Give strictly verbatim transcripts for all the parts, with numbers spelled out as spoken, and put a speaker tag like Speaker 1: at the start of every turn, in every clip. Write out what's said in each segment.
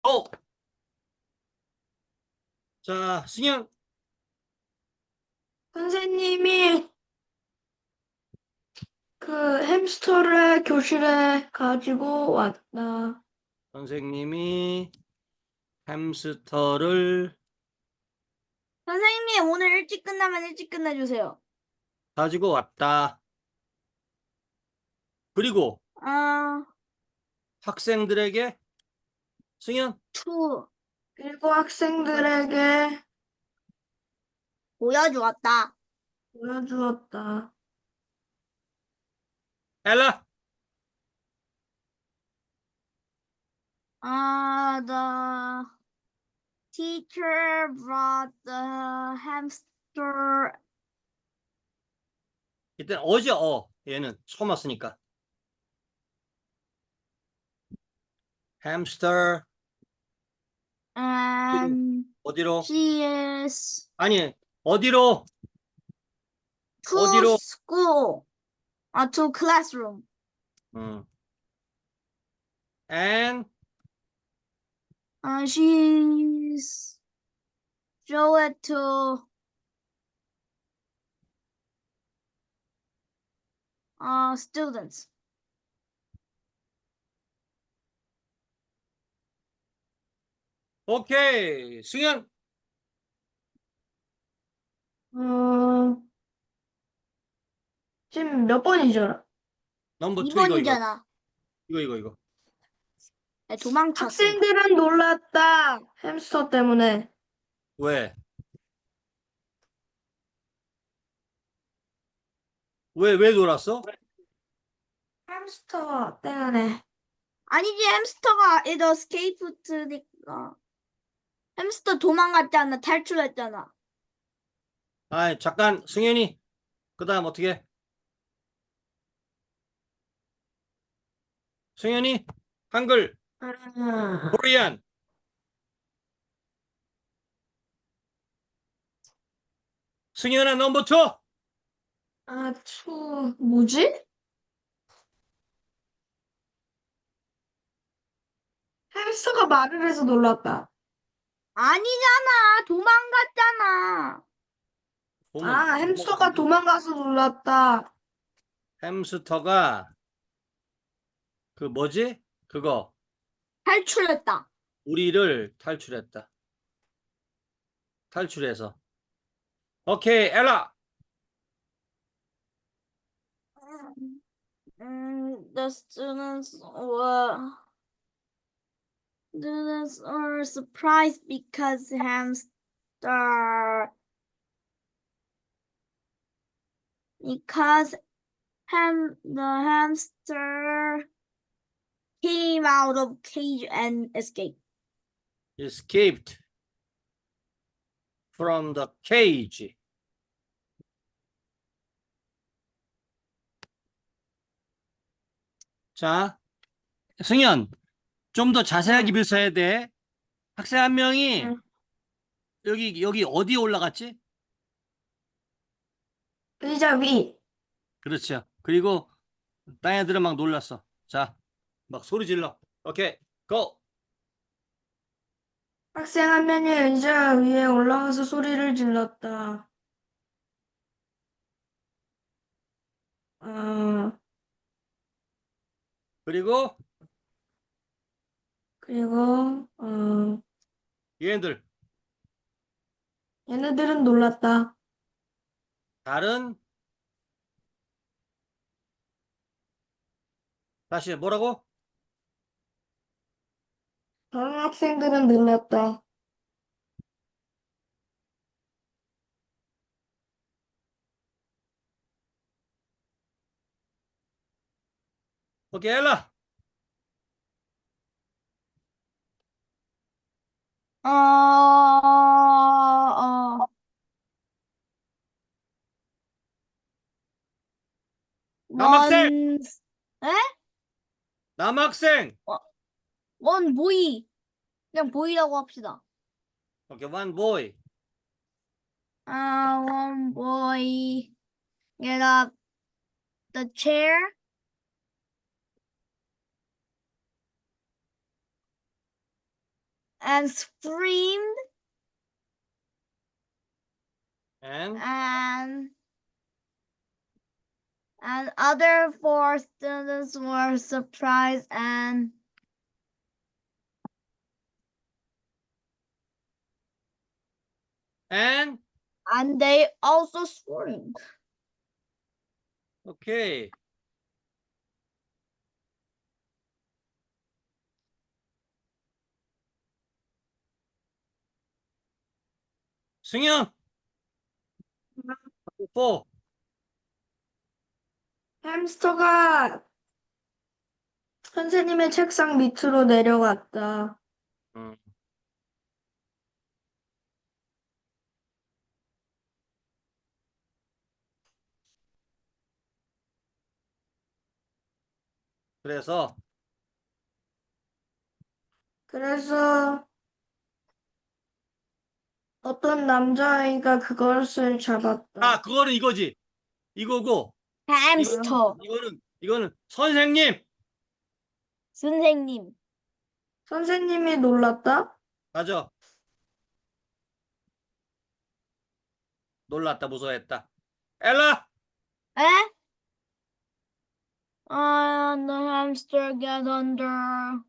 Speaker 1: 어. 자, 승현.
Speaker 2: 선생님이 그 햄스터를 교실에 가지고 왔다.
Speaker 1: 선생님이 햄스터를
Speaker 3: 선생님, 오늘 일찍 끝나면 일찍 끝내주세요.
Speaker 1: 가지고 왔다. 그리고
Speaker 3: 아,
Speaker 1: 학생들에게 승현
Speaker 3: 투,
Speaker 2: 그리고 학생들에게
Speaker 3: 보여주었다.
Speaker 2: 보여주었다.
Speaker 1: 엘라
Speaker 3: 아, the teacher brought the hamster.
Speaker 1: 일단 어제 어 얘는 처음 왔으니까 햄스터
Speaker 3: And
Speaker 1: 어디로
Speaker 3: she is
Speaker 1: 아니 어디로
Speaker 3: to
Speaker 1: 어디로
Speaker 3: school. 아, to classroom.
Speaker 1: 음. and
Speaker 3: Uh, she's show it to uh students.
Speaker 1: 오케이 승현
Speaker 2: 어, 지금 몇 번이죠?
Speaker 1: 넘버 투 이거 이거
Speaker 3: 이 번이잖아.
Speaker 1: 이거 이거 이거
Speaker 3: 네, 도망쳤어.
Speaker 2: 학생들은 놀랐다. 햄스터 때문에.
Speaker 1: 왜? 왜, 왜 놀았어?
Speaker 2: 햄스터 때문에.
Speaker 3: 아니지, 햄스터가 it escaped니까. 햄스터 도망갔잖아. 탈출했잖아.
Speaker 1: 아, 잠깐 승현이 그 다음 어떻게? 승현이 한글
Speaker 2: 아,
Speaker 1: 코리안 승현아 넘버 투
Speaker 2: 아, 추, 뭐지? 햄스터가 말을 해서 놀랐다.
Speaker 3: 아니잖아. 도망갔잖아.
Speaker 1: 보면
Speaker 2: 아, 햄스터가 도망가서 놀랐다.
Speaker 1: 햄스터가 그 뭐지? 그거
Speaker 3: 탈출했다.
Speaker 1: 우리를 탈출했다. 탈출해서 오케이 엘라
Speaker 3: 음, the students were students were surprised because hamster because ham the hamster came out of cage and escaped.
Speaker 1: escaped from the cage. 자, 승현 좀 더 자세하게
Speaker 2: 응.
Speaker 1: 묘사해야 돼. 학생 한 명이
Speaker 2: 응.
Speaker 1: 여기 여기 어디에 올라갔지?
Speaker 2: 의자 위.
Speaker 1: 그렇죠. 그리고 딴 애들은 막 놀랐어. 자, 막 소리 질러. 오케이, 고!
Speaker 2: 학생 한 명이 의자 위에 올라가서 소리를 질렀다. 어,
Speaker 1: 그리고
Speaker 2: 그리고, 어,
Speaker 1: 얘네들
Speaker 2: 얘네들은 놀랐다.
Speaker 1: 다른 다시 뭐라고?
Speaker 2: 다른 학생들은 놀랐다.
Speaker 1: 오케이, 엘라.
Speaker 3: 어, 어,
Speaker 1: 남학생,
Speaker 3: 원, 에?
Speaker 1: 남학생.
Speaker 3: 원 보이. 그냥 보이라고 합시다.
Speaker 1: 오케이, one boy.
Speaker 3: 아, one boy get up the chair and screamed
Speaker 1: and
Speaker 3: and and other four students were surprised and
Speaker 1: and
Speaker 3: and they also screamed.
Speaker 1: 오케이. 승현. 사.
Speaker 2: 햄스터가 선생님의 책상 밑으로 내려갔다.
Speaker 1: 음. 그래서
Speaker 2: 그래서 어떤 남자아이가 그것을 잡았다.
Speaker 1: 아, 그거는 이거지. 이거고.
Speaker 3: 햄스터.
Speaker 1: 이거는 이거는 선생님.
Speaker 3: 선생님.
Speaker 2: 선생님이 놀랐다.
Speaker 1: 맞아. 놀랐다, 무서워했다. 엘라.
Speaker 3: 에? And the hamster got under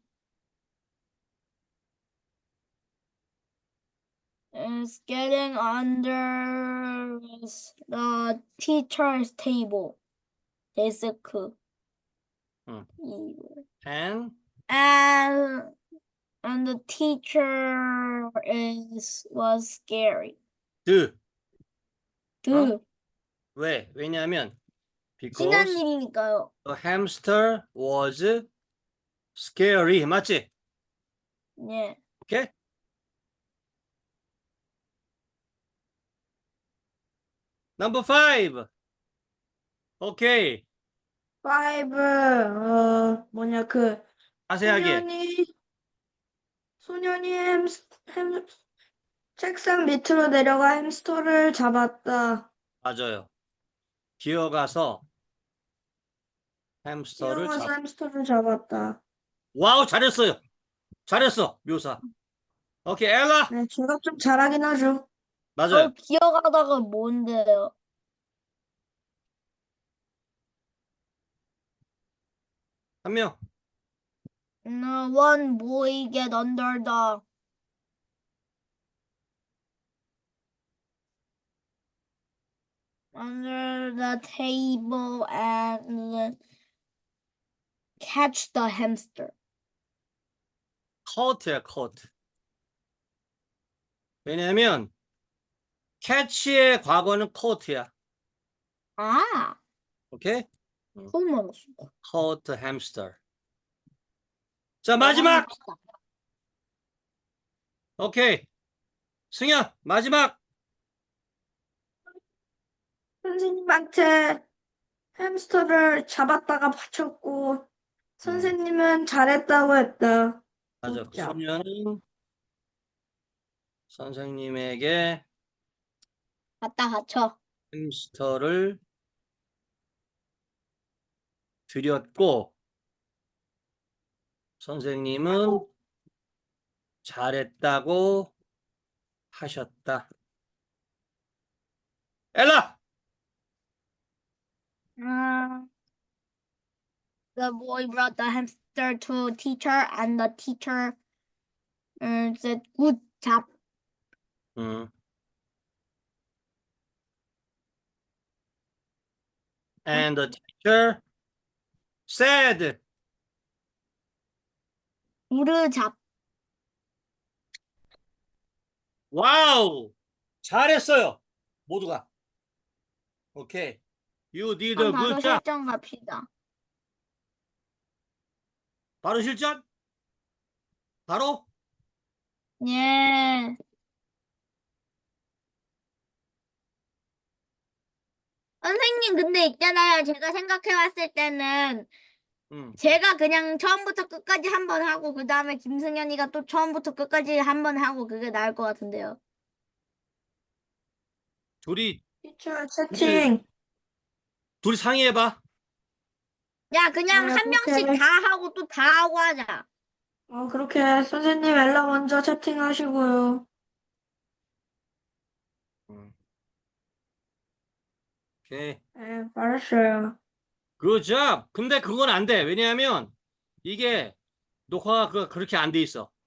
Speaker 3: is getting under the teacher's table. 데스크.
Speaker 1: 응.
Speaker 3: 이거.
Speaker 1: and
Speaker 3: And and the teacher is was scary.
Speaker 1: the.
Speaker 3: 그
Speaker 1: 왜? 왜냐하면
Speaker 3: 신한
Speaker 1: because
Speaker 3: 일이니까요.
Speaker 1: the hamster was scary. 맞지?
Speaker 3: 네.
Speaker 1: 오케이? Number five. 오케이.
Speaker 2: 파이브 어 뭐냐 그
Speaker 1: 자세하게.
Speaker 2: 소년이 소년이 햄스 햄 책상 밑으로 내려가 햄스터를 잡았다.
Speaker 1: 맞아요. 기어가서 햄스터를
Speaker 2: 뛰어가서
Speaker 1: 잡.
Speaker 2: 햄스터를 잡았다.
Speaker 1: 와우, 잘했어요. 잘했어, 묘사. 오케이, 엘라.
Speaker 2: 네, 제가 좀 잘하긴 하죠.
Speaker 1: 맞아요.
Speaker 3: 어, 기어가다가 뭔데요?
Speaker 1: 한 명.
Speaker 3: No, one boy get under the under the table and catch the hamster.
Speaker 1: 커트야, 커트. 왜냐면 캐치의 과거는 커트야.
Speaker 3: 아,
Speaker 1: 오케이?
Speaker 3: 처음 알았어.
Speaker 1: 커트 햄스터. 자, 마지막. 오케이. 승현, 마지막.
Speaker 2: 선생님한테 햄스터를 잡았다가 바쳤고 선생님은 잘했다고 했다.
Speaker 1: 맞아.
Speaker 2: 굿잡.
Speaker 1: 소녀는 선생님에게
Speaker 3: 갖다 받쳐.
Speaker 1: 햄스터를 드렸고 선생님은 잘했다고 하셨다. 엘라.
Speaker 3: Uh, the boy brought the hamster to teacher and the teacher uh, said good job.
Speaker 1: 음. And the teacher said.
Speaker 3: good job.
Speaker 1: 와우. 잘했어요. 모두가. 오케이. You did a
Speaker 3: 그럼 바로
Speaker 1: good job.
Speaker 3: 실전 갑시다.
Speaker 1: 바로 실전? 바로?
Speaker 3: 예. 선생님, 근데 있잖아요. 제가 생각해봤을 때는
Speaker 1: 음.
Speaker 3: 제가 그냥 처음부터 끝까지 한 번 하고 그 다음에 김승현이가 또 처음부터 끝까지 한 번 하고 그게 나을 것 같은데요.
Speaker 1: 둘이
Speaker 2: 티처 채팅.
Speaker 1: 둘이 상의해봐.
Speaker 3: 야, 그냥
Speaker 2: 네,
Speaker 3: 한 명씩
Speaker 2: 오케이.
Speaker 3: 다 하고 또 다 하고 하자.
Speaker 2: 어, 그렇게 선생님 엘라 먼저 채팅하시고요.
Speaker 1: 음. 오케이.
Speaker 2: 네, 알았어요.
Speaker 1: Good job. 근데 그건 안 돼. 왜냐하면 이게 녹화가 그- 그렇게 안 돼 있어.